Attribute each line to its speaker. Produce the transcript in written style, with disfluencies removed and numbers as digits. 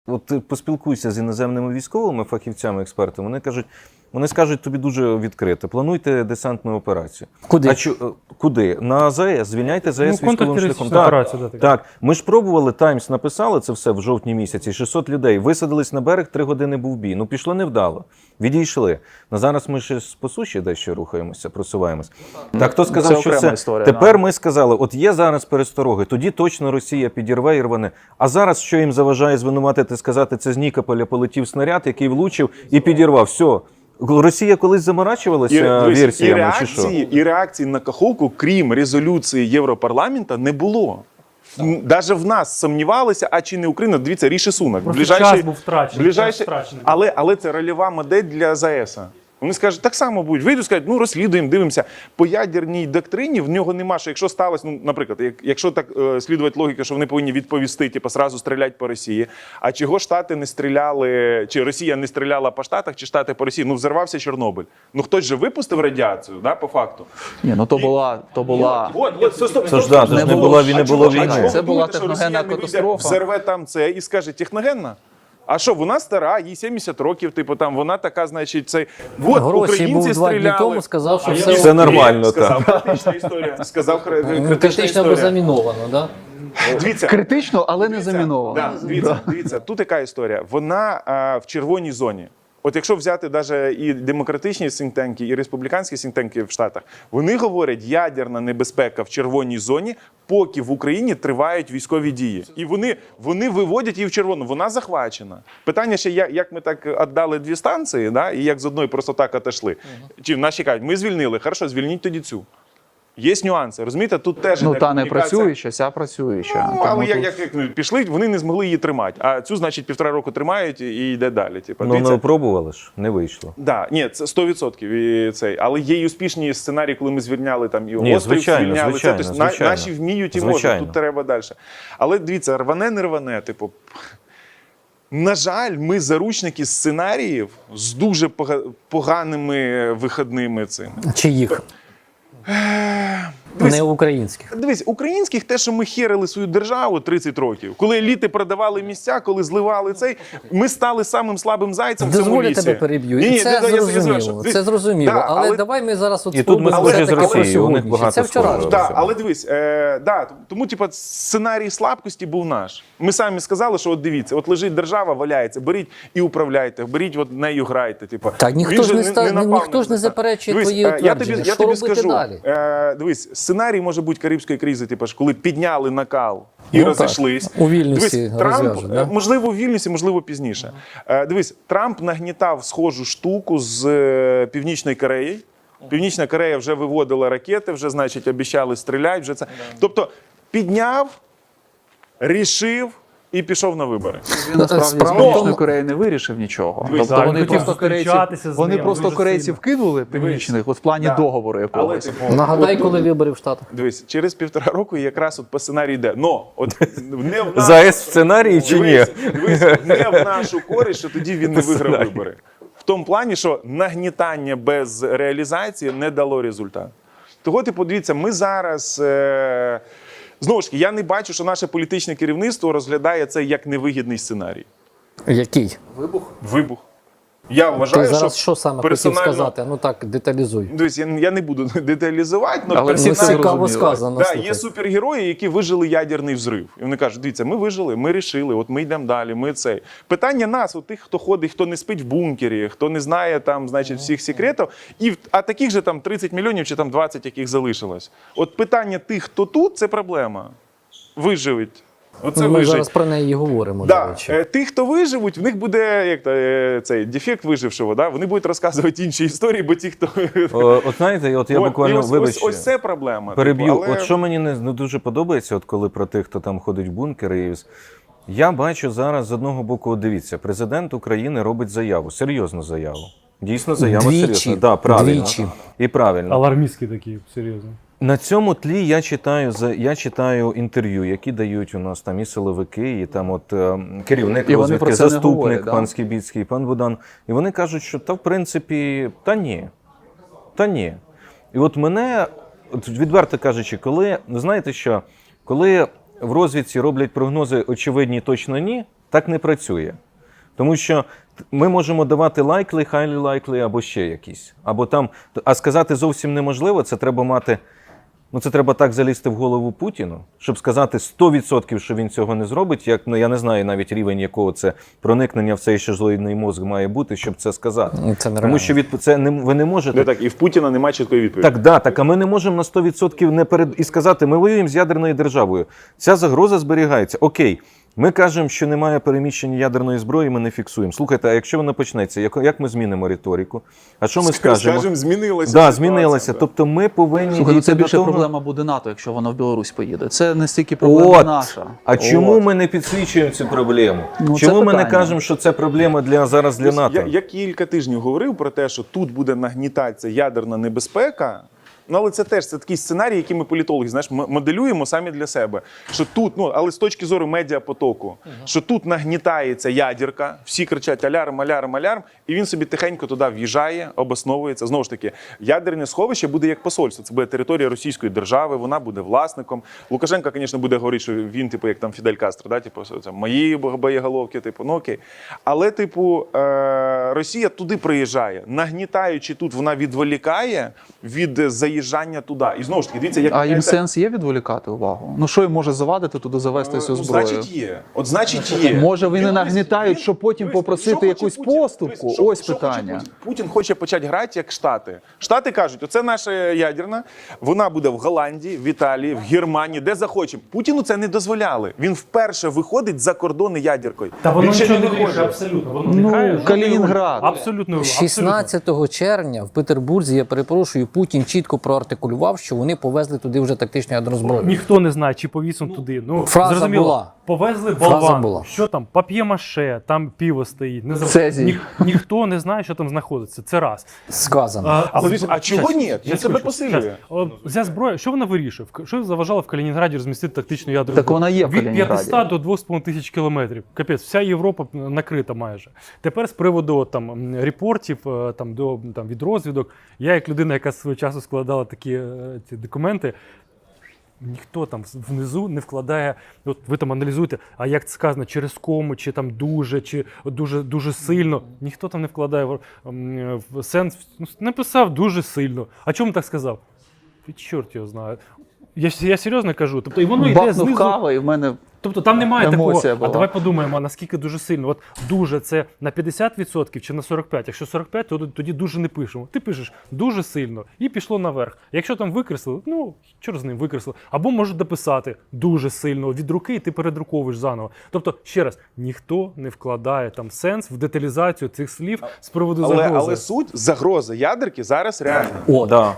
Speaker 1: От ти поспілкуйся з іноземними військовими фахівцями, експертами, вони скажуть тобі дуже відкрито: плануйте десантну операцію.
Speaker 2: Куди?
Speaker 1: Куди? На АЗС, звільняйте ЗАЕС військовим шляхом.
Speaker 3: Так.
Speaker 1: Ми ж пробували, Таймс написали це все в жовтні місяці, 600 людей, висадились на берег, 3 години був бій. Ну пішло невдало, відійшли. На зараз ми ще по суші дещо рухаємося, просуваємось. Так, хто сказав, що це?
Speaker 4: Історія,
Speaker 1: Тепер ми сказали, от є зараз перестороги, тоді точно Росія підірве і рване. А зараз що їм заважає звинуватити, сказати, це з Нікополя полетів снаряд, який влучив і підірвав. Все. Росія колись заморачувалася версіями, чи що?
Speaker 3: І реакції на Каховку, крім резолюції Європарламенту, не було. Навіть в нас сумнівалися, а чи не Україна, дивіться, Ріші Сунак.
Speaker 4: Час був втрачений.
Speaker 3: Але це рольова модель для ЗАЕС. Вони скажуть, так само будуть. Вийдуть, скажуть, ну розслідуємо, дивимося. По ядерній доктрині в нього нема, що якщо сталося, ну, наприклад, якщо так слідувати логіка, що вони повинні відповісти, типу, сразу стріляти по Росії, а чого Штати не стріляли, чи Росія не стріляла по Штатах, чи Штати по Росії? Ну, взорвався Чорнобиль. Ну, хтось же випустив радіацію, да, по факту.
Speaker 4: Ні, ну то була...
Speaker 1: Це ж да, це ж не було війни.
Speaker 4: Це була техногенна катастрофа.
Speaker 3: Взорве там це і скаже, техногенна? А що, вона стара, їй 70 років, типу, там, вона така, значить, цей...
Speaker 2: Вот, Гросі був 2 дні тому, сказав, що
Speaker 1: все нормально.
Speaker 3: Сказав критична історія. Сказав критична
Speaker 2: критично або
Speaker 3: історія.
Speaker 2: заміновано, да?
Speaker 3: Дивіться,
Speaker 4: Критично, але не заміновано.
Speaker 3: дивіться, тут яка історія. Вона в червоній зоні. От якщо взяти навіть і демократичні синктенки, і республіканські синктенки в Штатах, вони говорять, ядерна небезпека в червоній зоні, поки в Україні тривають військові дії. І вони виводять її в червону. Вона захвачена. Питання ще, як ми так віддали 2 станції, да, і як з одної просто так отошли. Чи наші кажуть, ми звільнили, хорошо, звільніть тоді цю. Є нюанси, розумієте? Тут теж
Speaker 4: Ну, та не працююча, ця працююча.
Speaker 3: Ну, але як пішли, вони не змогли її тримати. А цю, значить, 1,5 року тримають і йде далі. Типу,
Speaker 1: Ну, не пробували ж, не вийшло.
Speaker 3: Да, ні, це 100%. І цей. Але є й успішні сценарії, коли ми звільняли там і
Speaker 1: Ні,
Speaker 3: острів, звільняли.
Speaker 1: звичайно.
Speaker 3: Наші вміють і можуть, тут треба далі. Але дивіться, рване, не рване, типу. На жаль, ми заручники сценаріїв з дуже поганими виходними цими.
Speaker 2: Чиїх? Не українських.
Speaker 3: Дивись, українських те, що ми херили свою державу 30 років, коли еліти продавали місця, коли зливали цей, ми стали самим слабим зайцем в цьому
Speaker 2: Дозволю
Speaker 3: лісі.
Speaker 2: тебе переб'ю. Це зрозуміло. Це зрозуміло.
Speaker 3: Да,
Speaker 2: але давай ми зараз от
Speaker 1: І тут ми схожі з Росією, у них багато
Speaker 2: Це вчора.
Speaker 1: схожого.
Speaker 3: Так, але дивись, тому типу, сценарій слабкості був наш. Ми самі сказали, що от дивіться, от лежить держава, валяється, беріть і управляйте, беріть от нею грайте. Типу.
Speaker 2: Так, ніхто ж не заперечує твої утвердження.
Speaker 3: Я тобі скажу,
Speaker 2: далі?
Speaker 3: Дивись, сценарій може бути Карибської кризи, типу, коли підняли накал і розійшлись.
Speaker 2: У Вільнюсі
Speaker 3: Дивись, Трамп,
Speaker 2: розв'яжуть, да?
Speaker 3: можливо, у Вільнюсі, можливо, пізніше. Дивись, Трамп нагнітав схожу штуку з Північної Кореї. Північна Корея вже виводила ракети, вже, значить, обіцяли стріляти. Вже це. Тобто, підняв, рішив і пішов на вибори.
Speaker 4: Він насправді з Північної Кореї не вирішив нічого. Тобто вони просто корейців кинули північних от в плані договору якогось.
Speaker 2: Нагадай, коли вибори в Штатах.
Speaker 3: Дивись, через 1,5 року якраз от по сценарію йде. Но от не в
Speaker 1: ЗАЕС в сценарії чи ні?
Speaker 3: Дивись, не в нашу користь, що тоді він не виграв вибори. В тому плані, що нагнітання без реалізації не дало результат. Того, ти подивіться, ми зараз... Знову ж таки, я не бачу, що наше політичне керівництво розглядає це як невигідний сценарій.
Speaker 2: Який?
Speaker 3: Вибух. Я вважаю,
Speaker 2: Ти зараз що саме хотів
Speaker 3: персонально-
Speaker 2: сказати? Ну так, деталізуй.
Speaker 3: Дивись, я не буду деталізувати,
Speaker 4: Але
Speaker 3: персонально-
Speaker 4: всі це
Speaker 2: Цікаво
Speaker 4: зрозуміло.
Speaker 2: сказано.
Speaker 3: Да,
Speaker 2: слухай.
Speaker 3: є супергерої, які вижили ядерний взрив. І вони кажуть, дивіться, ми вижили, ми рішили, от ми йдемо далі, ми цей. Питання нас, от тих, хто ходить, хто не спить в бункері, хто не знає там, значить, всіх секретів, а таких же там 30 мільйонів чи там 20, яких залишилось. От питання тих, хто тут, це проблема. Виживуть. Оце
Speaker 2: Ми
Speaker 3: вижить.
Speaker 2: зараз про неї і говоримо, до
Speaker 3: Да.
Speaker 2: речі.
Speaker 3: Ті, хто виживуть, в них буде як цей дефект вижившого. Да? Вони будуть розказувати інші історії, бо ті, хто...
Speaker 1: От знаєте, от я
Speaker 3: От, і
Speaker 1: буквально,
Speaker 3: ось це проблема.
Speaker 1: переб'ю.
Speaker 3: Типу, але...
Speaker 1: От що мені не дуже подобається, от коли про тих, хто там ходить в бункери, я бачу зараз з одного боку, от дивіться, президент України робить заяву, серйозну заяву. Дійсно заява
Speaker 2: Двічі.
Speaker 1: серйозна. Да, правильно.
Speaker 2: Двічі.
Speaker 1: І правильно.
Speaker 5: Алармістські такі, серйозно.
Speaker 1: На цьому тлі я читаю інтерв'ю, які дають у нас там і силовики, і там от керівник
Speaker 4: І вони
Speaker 1: розвідки,
Speaker 4: про це не
Speaker 1: заступник
Speaker 4: говорять, да?
Speaker 1: пан Скібіцький, пан Будан. І вони кажуть, що в принципі, та ні. І от мене, от відверто кажучи, коли, ви знаєте що, коли в розвідці роблять прогнози очевидні точно ні, Так не працює. Тому що ми можемо давати likely, highly likely або ще якісь. Або там, а сказати зовсім неможливо, це треба мати. Ну, це треба так залізти в голову Путіну, щоб сказати 100%, що він цього не зробить. Як, ну, я не знаю навіть рівень, якого це проникнення в цей шизоїдний мозк має бути, щоб це сказати.
Speaker 2: Це нереально.
Speaker 1: Тому що ви не можете.
Speaker 3: Не так, і в Путіна немає чіткої відповіді.
Speaker 1: Так, а ми не можемо на 100% і сказати, ми воюємо з ядерною державою. Ця загроза зберігається. Окей. Ми кажемо, що немає переміщення ядерної зброї, ми не фіксуємо. Слухайте, а якщо воно почнеться, як ми змінимо риторику? А що ми скажемо?
Speaker 3: Скажемо, змінилася.
Speaker 1: Да, змінилася. Тобто ми повинні
Speaker 4: Слухай, ну це
Speaker 1: дійти
Speaker 4: більше
Speaker 1: до того...
Speaker 4: проблема буде НАТО, якщо воно в Білорусь поїде. Це не стільки проблема наша.
Speaker 1: А чому ми не підсвічуємо цю проблему?
Speaker 4: Ну,
Speaker 1: чому
Speaker 4: це
Speaker 1: ми не
Speaker 4: питання.
Speaker 1: кажемо, що це проблема зараз для НАТО?
Speaker 3: Я кілька тижнів говорив про те, що тут буде нагнітатися ядерна небезпека. Ну, але це такий сценарій, який ми політологи, знаєш, моделюємо самі для себе. Що тут, але з точки зору медіапотоку, що тут нагнітається ядерка, всі кричать алярм, алярм, алярм, і він собі тихенько туди в'їжджає, обосновується. Знову ж таки, ядерне сховище буде як посольство. Це буде територія Російської держави, вона буде власником. Лукашенко, звісно, буде говорити, що він, як там Фідель Кастро, да, це мої боєголовки, ну окей. Але, Росія туди приїжджає, нагнітаючи тут, вона відволікає від заїжджання туди. І знову ж таки, дивіться, як...
Speaker 4: А їм сенс є відволікати увагу? Ну що їм може завадити туди завести цю зброю?
Speaker 3: Значить є. Значить є.
Speaker 4: Може вони нагнітають, щоб потім попросити якусь поступку? Ось питання.
Speaker 3: Путін хоче почати грати як Штати. Штати кажуть, оце наша ядерна, вона буде в Голландії, в Італії, в Германії, де захочемо. Путіну це не дозволяли. Він вперше виходить за кордони ядеркою.
Speaker 5: Та воно
Speaker 3: Він ще
Speaker 5: нічого не
Speaker 3: не
Speaker 5: вирішує, абсолютно. Воно не грає.
Speaker 4: Калінінград.
Speaker 5: Абсолютно.
Speaker 2: 16 червня в Петербурзі, я перепрошую, Путін чітко проартикулював, що вони повезли туди вже тактичну ядерну зброю.
Speaker 5: Ніхто не знає, чи повіз він туди. Ну,
Speaker 2: фраза
Speaker 5: зрозуміло,
Speaker 2: була.
Speaker 5: повезли
Speaker 2: Фраза
Speaker 5: болван.
Speaker 2: була.
Speaker 5: Що там? Пап'є-маше, там пиво стоїть. Не
Speaker 4: Цезій.
Speaker 5: Ніхто не знає, що там знаходиться. Це раз.
Speaker 2: Сказано.
Speaker 3: А чого ні? Він себе посилює.
Speaker 5: Ця зброя, що вона вирішує? Що заважало в Калінінграді розмістити тактичну ядерну
Speaker 4: Так
Speaker 5: зброю?
Speaker 4: вона є в
Speaker 5: Від
Speaker 4: Калінінграді.
Speaker 5: 500 до 2,5 тисяч кілометрів. Капець, вся Європа накрита майже. Тепер з приводу там репортів від розвідок. Я як людина, яка свого часу складала такі ці документи, ніхто там внизу не вкладає, от ви там аналізуєте, а як це сказано, через кому, чи там дуже, чи дуже сильно. Ніхто там не вкладає в сенс, написав дуже сильно. А чому так сказав? Чорт його знає. Я серйозно кажу. Тобто, і воно йде
Speaker 4: Бахнув
Speaker 5: знизу.
Speaker 4: кава і в мене...
Speaker 5: Тобто там немає такого,
Speaker 4: Емоція була.
Speaker 5: а давай подумаємо, а наскільки дуже сильно. От дуже це на 50% чи на 45%. Якщо 45%, то тоді дуже не пишемо. Ти пишеш дуже сильно і пішло наверх. Якщо там викреслили, ну, чорт з ним викреслили. Або можуть дописати дуже сильно від руки, і ти передруковуєш заново. Тобто, ще раз, ніхто не вкладає там сенс в деталізацію цих слів з приводу загрози.
Speaker 3: Але суть загроза ядерки зараз реальна.
Speaker 2: О,
Speaker 1: Да.